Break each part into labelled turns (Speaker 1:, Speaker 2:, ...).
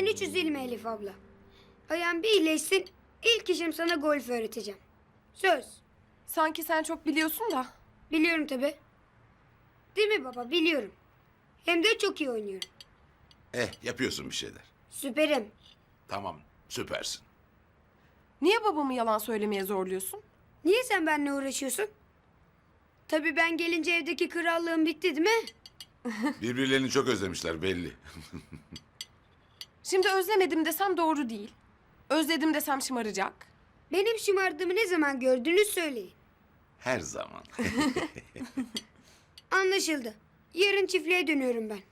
Speaker 1: hiç üzülme Elif abla. Ayağın bir iyileşsin, ilk işim sana golf öğreteceğim. Söz.
Speaker 2: Sanki sen çok biliyorsun da.
Speaker 1: Biliyorum tabii. Değil mi baba, biliyorum. Hem de çok iyi oynuyorum.
Speaker 3: Yapıyorsun bir şeyler.
Speaker 1: Süperim.
Speaker 3: Tamam, süpersin.
Speaker 2: Niye babamı yalan söylemeye zorluyorsun?
Speaker 1: Niye sen benimle uğraşıyorsun? Tabii ben gelince evdeki krallığım bitti değil mi?
Speaker 3: Birbirlerini çok özlemişler belli.
Speaker 2: Şimdi özlemedim desem doğru değil. Özledim desem şımaracak.
Speaker 1: Benim şımardığımı ne zaman gördünüz söyleyin.
Speaker 3: Her zaman.
Speaker 1: Anlaşıldı. Yarın çiftliğe dönüyorum ben.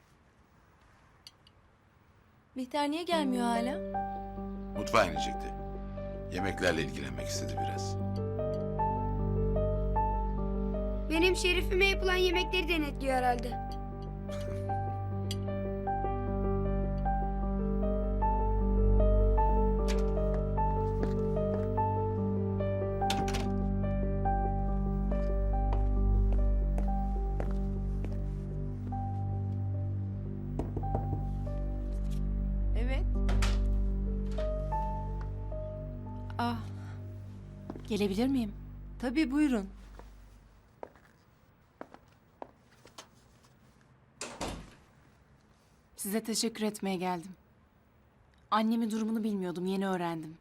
Speaker 4: Bihter niye gelmiyor hala?
Speaker 3: Mutfağa inecekti. Yemeklerle ilgilenmek istedi biraz.
Speaker 1: Benim şerifime yapılan yemekleri denetliyor herhalde.
Speaker 2: Evet.
Speaker 4: Gelebilir miyim?
Speaker 5: Tabii buyurun.
Speaker 4: Size teşekkür etmeye geldim. Annemin durumunu bilmiyordum, yeni öğrendim.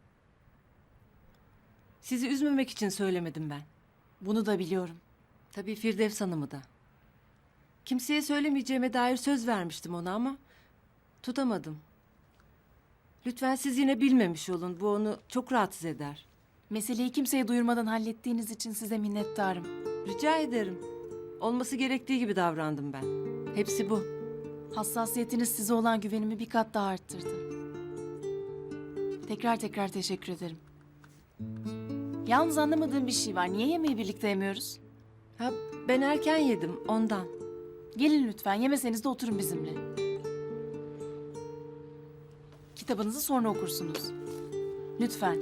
Speaker 5: Sizi üzmemek için söylemedim ben.
Speaker 4: Bunu da biliyorum.
Speaker 5: Tabii Firdevs Hanım'ı da. Kimseye söylemeyeceğime dair söz vermiştim ona ama tutamadım. Lütfen siz yine bilmemiş olun. Bu onu çok rahatsız eder.
Speaker 4: Meseleyi kimseye duyurmadan hallettiğiniz için size minnettarım.
Speaker 5: Rica ederim. Olması gerektiği gibi davrandım ben. Hepsi bu.
Speaker 4: Hassasiyetiniz size olan güvenimi bir kat daha arttırdı. Tekrar teşekkür ederim. Yalnız anlamadığım bir şey var. Niye yemeği birlikte yemiyoruz?
Speaker 5: Ha, ben erken yedim ondan.
Speaker 4: Gelin lütfen, yemeseniz de oturun bizimle. Kitabınızı sonra okursunuz. Lütfen.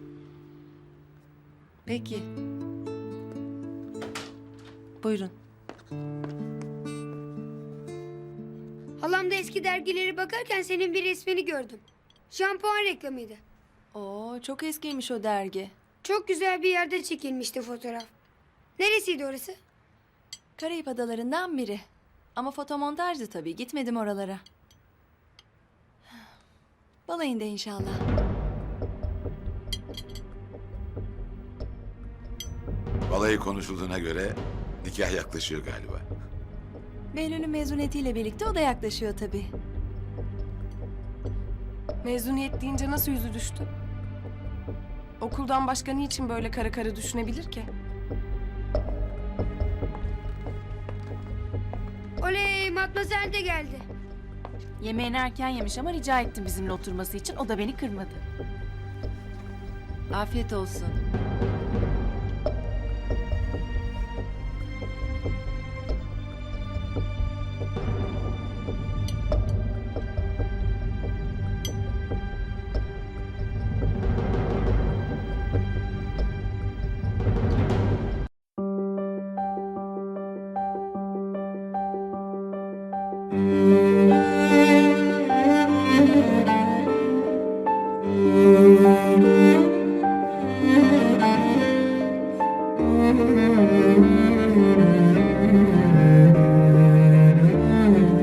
Speaker 5: Peki. Buyurun.
Speaker 1: Halamda eski dergileri bakarken senin bir resmini gördüm. Şampuan reklamıydı.
Speaker 4: Oo, çok eskiymiş o dergi.
Speaker 1: Çok güzel bir yerde çekilmişti fotoğraf. Neresiydi orası?
Speaker 6: Karayip adalarından biri. Ama fotomontajdı tabii. Gitmedim oralara. Balayında inşallah.
Speaker 3: Balayı konuşulduğuna göre nikah yaklaşıyor galiba.
Speaker 6: Behlül'ün mezuniyetiyle birlikte o da yaklaşıyor tabii.
Speaker 2: Mezuniyet deyince nasıl yüzü düştü? Okuldan başka niçin böyle kara kara düşünebilir ki?
Speaker 1: Oley, Matmazel de geldi.
Speaker 4: Yemeğini erken yemiş ama rica ettim bizimle oturması için. O da beni kırmadı.
Speaker 5: Afiyet olsun.